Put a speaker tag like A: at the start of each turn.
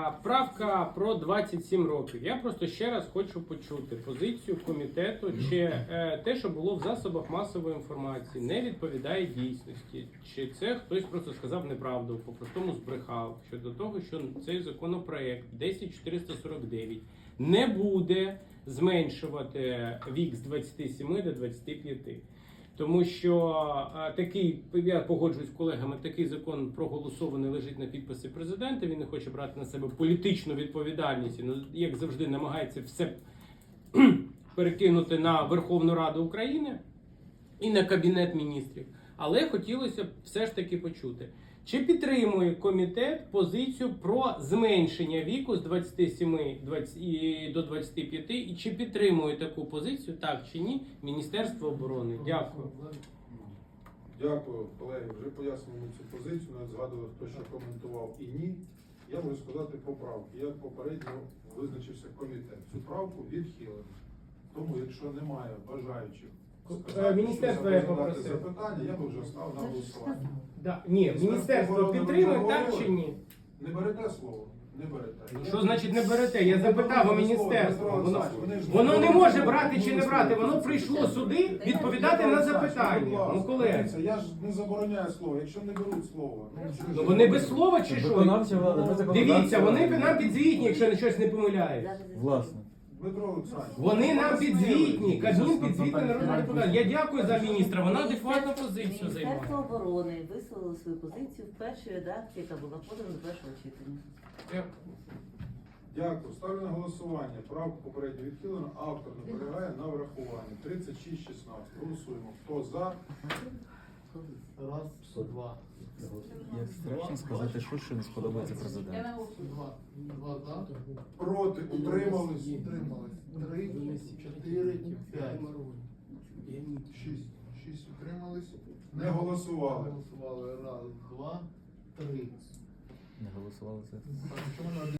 A: Правка про 27 років. Я просто ще раз хочу почути позицію комітету, чи те, що було в засобах масової інформації, не відповідає дійсності, чи це хтось просто сказав неправду, по-простому збрехав щодо того, що цей законопроект 10449 не буде зменшувати вік з 27 до 25. Тому що такий, я погоджуюсь з колегами, такий закон проголосований, лежить на підписі президента, він не хоче брати на себе політичну відповідальність, як завжди намагається все перекинути на Верховну Раду України і на Кабінет міністрів. Але хотілося б все ж таки почути, чи підтримує комітет позицію про зменшення віку з 27 до 25, і чи підтримує таку позицію, так чи ні, Міністерство оборони? Дякую.
B: Дякую, колеги. Вже пояснюємо цю позицію, навіть згадували, хто що коментував і ні. Я можу сказати по правці. Як попередньо визначився комітет. Цю правку відхилено. Тому, якщо немає бажаючих
A: Міністерство я попросив.
B: запитання, я би вже став на голосування.
A: Ні, Міністерство підтримує, так чи ні?
B: Не берете слово? Не берете.
A: Що значить не берете? Я запитав у міністерства. Воно не може брати чи не брати. Воно прийшло сюди відповідати на запитання. Ну, колеги.
B: Я ж не забороняю слово, якщо не беруть слово.
A: Ну, вони без слова чи що? Дивіться, вони нам підзвітні, якщо я щось не помиляюсь.
C: Власне.
B: Дмитро Олександрович.
A: Вони нам підзвітні. Кабмін підзвітний народний депутат. Я дякую за міністра, вона адекватну позицію займає.
D: Міністерство оборони висловило свою позицію в першій редакції, яка була подана до першого читання.
B: Дякую. Ставлю на голосування. Правку попередньо відхилено. Автор наполягає на врахуванні. 36-16. Голосуємо. Хто за?
E: Раз, два.
C: Як страшно сказати, що не сподобається президенту.
E: Два за.
B: Проти? Утримались?
E: Утримались. 3, 4, 5. 6. 6 утримались.
B: Не голосували.
E: Голосували. Раз, два, три.
C: Не голосували за це.
E: Так, чому не